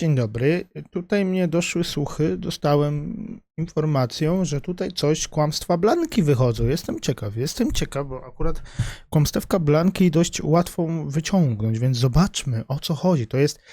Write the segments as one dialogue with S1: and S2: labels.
S1: Dzień dobry. Tutaj mnie doszły słuchy, dostałem informację, że tutaj coś, kłamstwa Blanki wychodzą. Jestem ciekaw, bo akurat kłamstewka Blanki dość łatwo wyciągnąć, więc zobaczmy, o co chodzi. To jest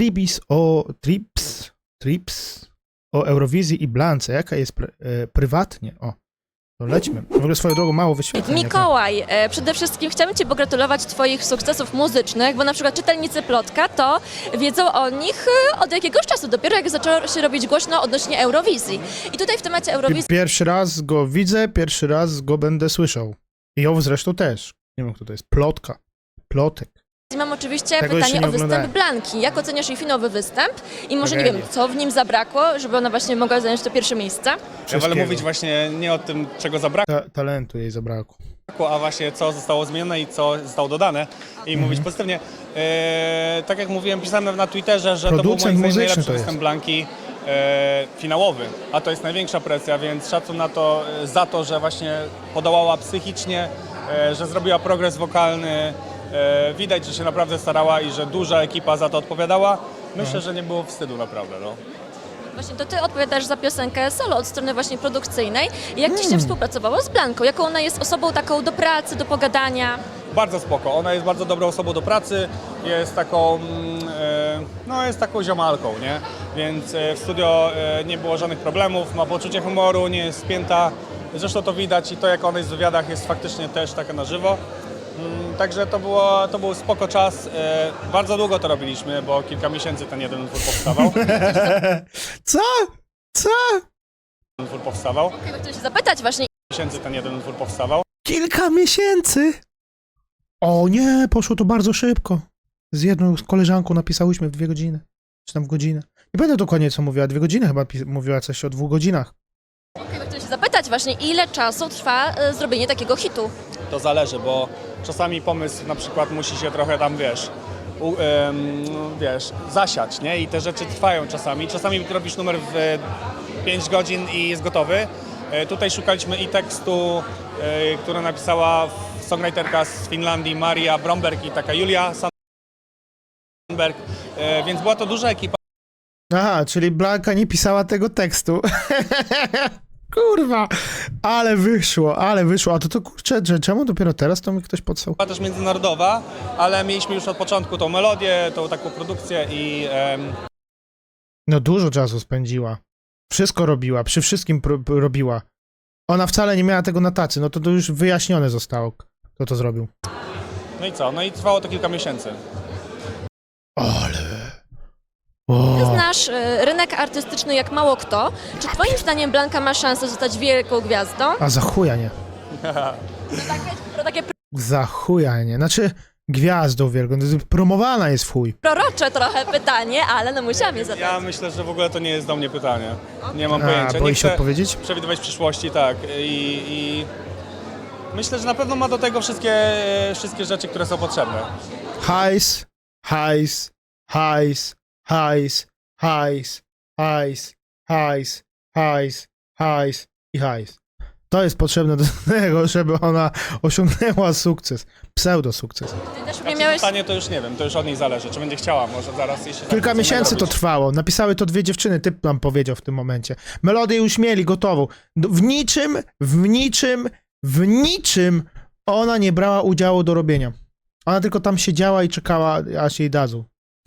S1: Trips o Eurowizji i Blance. Jaka jest prywatnie? O, to lećmy. W ogóle swoją drogą mało wyświetleń.
S2: Mikołaj, przede wszystkim chciałabym Ci pogratulować Twoich sukcesów muzycznych, bo na przykład czytelnicy Plotka to wiedzą o nich od jakiegoś czasu, dopiero jak zaczęło się robić głośno odnośnie Eurowizji. I tutaj w temacie Eurowizji
S1: Pierwszy raz go widzę, pierwszy raz go będę słyszał. I ją zresztą też. Nie wiem, kto to jest. Plotek.
S2: mam oczywiście
S1: Tego jeszcze
S2: pytanie
S1: nie
S2: o występ
S1: oglądałem.
S2: Blanki. Jak oceniasz jej finałowy występ? I może nie
S1: Tragedia.
S2: wiem, co w nim zabrakło, żeby ona właśnie mogła zająć to pierwsze miejsce?
S3: Ja wolę
S1: Wszystkiego.
S3: mówić właśnie nie o tym, czego zabrakło,
S1: Talentu jej zabrakło.
S3: a właśnie co zostało zmienione i co zostało dodane i mówić pozytywnie. Tak jak mówiłem, pisałem na Twitterze, że to był
S1: Producent
S3: moim zdaniem
S1: muzyczny
S3: najlepszy
S1: to jest.
S3: występ Blanki finałowy, a to jest największa presja, więc szacun na to, za to, że właśnie podołała psychicznie, że zrobiła progres wokalny. Widać, że się naprawdę starała i że duża ekipa za to odpowiadała. Myślę, że nie było wstydu naprawdę. No.
S2: Właśnie to Ty odpowiadasz za piosenkę solo od strony właśnie produkcyjnej. Jak Ci się współpracowało z Blanką? Jaką ona jest osobą taką do pracy, do pogadania?
S3: Bardzo spoko. Ona jest bardzo dobrą osobą do pracy, jest taką, jest taką ziomalką, nie? Więc w studio nie było żadnych problemów, ma poczucie humoru, nie jest spięta. Zresztą to widać i to, jak ona jest w wywiadach, jest faktycznie też taka na żywo. Także to był spoko czas. Bardzo długo to robiliśmy, bo kilka miesięcy ten jeden utwór powstawał.
S1: Co?
S2: Chciałam się zapytać właśnie,
S3: Ten jeden utwór powstawał.
S1: Kilka miesięcy? O nie, poszło to bardzo szybko. Z jedną koleżanką napisałyśmy w 2 godziny. Czy tam w godzinę. Nie będę dokładnie co mówiła, 2 godziny chyba mówiła coś o 2 godzinach.
S2: chciałam się zapytać właśnie, ile czasu trwa zrobienie takiego hitu?
S3: To zależy, bo czasami pomysł na przykład musi się trochę tam, zasiać, nie? I te rzeczy trwają czasami. Czasami robisz numer w 5 godzin i jest gotowy. Tutaj szukaliśmy i tekstu, który napisała songwriterka z Finlandii Maria Bromberg i taka Julia Sandberg, więc była to duża ekipa.
S1: Aha, czyli Blanka nie pisała tego tekstu. Kurwa, ale wyszło. A to kurczę, że czemu dopiero teraz to mi ktoś podsał?
S3: Była też międzynarodowa, ale mieliśmy już od początku tą melodię, tą taką produkcję i
S1: No dużo czasu spędziła. Wszystko robiła, przy wszystkim robiła. Ona wcale nie miała tego na tacy, no to już wyjaśnione zostało, kto to zrobił.
S3: no i co? No i trwało to kilka miesięcy.
S1: Ale...
S2: Ty
S1: O.
S2: znasz rynek artystyczny jak mało kto. Czy Twoim zdaniem Blanka ma szansę zostać wielką gwiazdą?
S1: A za chuja nie.
S2: Takie
S1: Za chuja nie. Znaczy, gwiazdą wielką. Promowana jest w chuj.
S2: prorocze trochę pytanie, ale no musiałam je zadać.
S3: Ja myślę, że w ogóle to nie jest do mnie pytanie. Nie mam
S1: A,
S3: pojęcia. Nie
S1: boi się
S3: chcę
S1: odpowiedzieć?
S3: przewidywać przyszłości, tak. I myślę, że na pewno ma do tego wszystkie rzeczy, które są potrzebne.
S1: Hajs i hajs. To jest potrzebne do tego, żeby ona osiągnęła sukces. Pseudo-sukces.
S2: Ty też
S3: A
S2: nie
S3: czy
S2: miałeś...
S3: zostanie, to już nie wiem, to już od niej zależy. Czy będzie chciała, może zaraz, jeśli tak
S1: Kilka
S3: chcemy
S1: miesięcy to
S3: robić.
S1: trwało. Napisały to 2 dziewczyny, typ nam powiedział w tym momencie. Melodię już mieli gotową. W niczym ona nie brała udziału do robienia. Ona tylko tam siedziała i czekała, aż jej dadzą.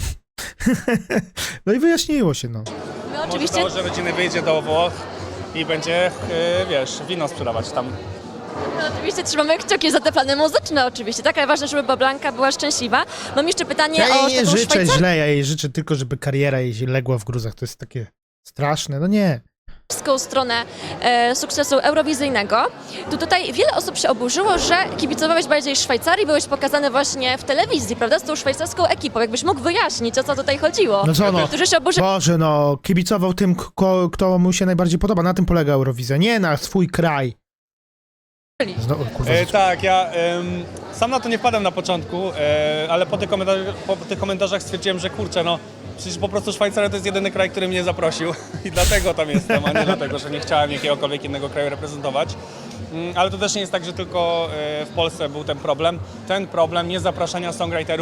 S1: No i wyjaśniło się, no.
S2: My
S3: Może
S2: oczywiście...
S3: założę rodziny, wyjdzie do Włoch i będzie, wino sprzedawać tam.
S2: No, oczywiście trzymamy kciuki za te plany muzyczne oczywiście, tak, ale ważne, żeby Blanka była szczęśliwa. Mam jeszcze pytanie
S1: Ja
S2: o
S1: jej nie
S2: taką
S1: życzę źle, ja jej życzę tylko, żeby kariera jej legła w gruzach. To jest takie straszne, no nie.
S2: szwajcarską stronę sukcesu eurowizyjnego. Tutaj wiele osób się oburzyło, że kibicowałeś bardziej Szwajcarii, byłeś pokazany właśnie w telewizji, prawda, z tą szwajcarską ekipą. Jakbyś mógł wyjaśnić, o co tutaj chodziło?
S1: No co no?
S2: Którzy się oburzyli.
S1: Boże, no, kibicował tym, kto mu się najbardziej podoba. Na tym polega Eurowizja, nie na swój kraj. Znowu, kurwa,
S3: Tak, ja sam na to nie wpadłem na początku, ale po tych komentarzach stwierdziłem, że kurczę, no przecież po prostu Szwajcaria to jest jedyny kraj, który mnie zaprosił i dlatego tam jestem, a nie dlatego, że nie chciałem jakiegokolwiek innego kraju reprezentować. Ale to też nie jest tak, że tylko w Polsce był ten problem. Ten problem niezapraszania songwriterów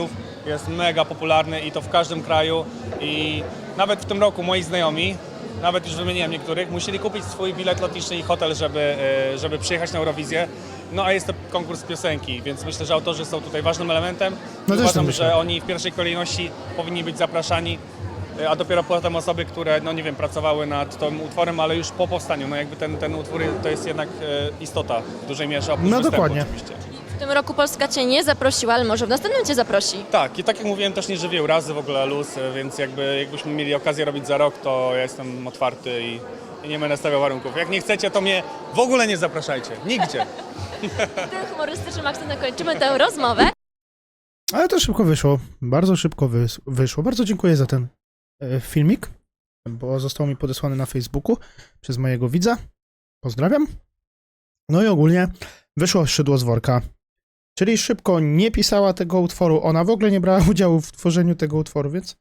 S3: jest mega popularny i to w każdym kraju i nawet w tym roku moi znajomi, nawet już wymieniłem niektórych, musieli kupić swój bilet lotniczy i hotel, żeby przyjechać na Eurowizję. No a jest to konkurs piosenki, więc myślę, że autorzy są tutaj ważnym elementem.
S1: No też tak
S3: Uważam,
S1: myślę.
S3: że oni w pierwszej kolejności powinni być zapraszani, a dopiero potem osoby, które, no nie wiem, pracowały nad tym utworem, ale już po powstaniu. No jakby ten utwór to jest jednak istota w dużej mierze oprócz
S1: No
S3: występu
S1: dokładnie.
S3: oczywiście.
S2: W tym roku Polska Cię nie zaprosiła, ale może w następnym Cię zaprosi.
S3: Tak, i tak jak mówiłem, też nie żywię urazy, w ogóle luz, więc jakbyśmy mieli okazję robić za rok, to ja jestem otwarty i nie będę stawiał warunków. Jak nie chcecie, to mnie w ogóle nie zapraszajcie. Nigdzie.
S2: Tym humorystycznym akcentem kończymy tę rozmowę.
S1: Ale to szybko wyszło. Bardzo szybko wyszło. Bardzo dziękuję za ten filmik, bo został mi podesłany na Facebooku przez mojego widza. Pozdrawiam. No i ogólnie wyszło szydło z worka. Czyli szybko nie pisała tego utworu. Ona w ogóle nie brała udziału w tworzeniu tego utworu, więc...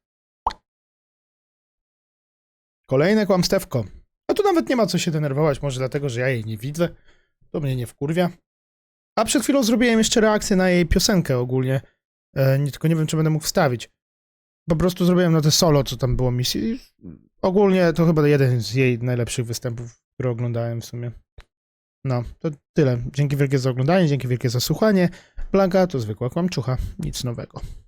S1: Kolejne kłamstewko. A tu nawet nie ma co się denerwować, może dlatego, że ja jej nie widzę. To mnie nie wkurwia. A przed chwilą zrobiłem jeszcze reakcję na jej piosenkę ogólnie. Tylko nie wiem, czy będę mógł wstawić. Po prostu zrobiłem na te solo, co tam było misji. Ogólnie to chyba jeden z jej najlepszych występów, które oglądałem w sumie. No, to tyle. Dzięki wielkie za oglądanie, dzięki wielkie za słuchanie. Blanka to zwykła kłamczucha. Nic nowego.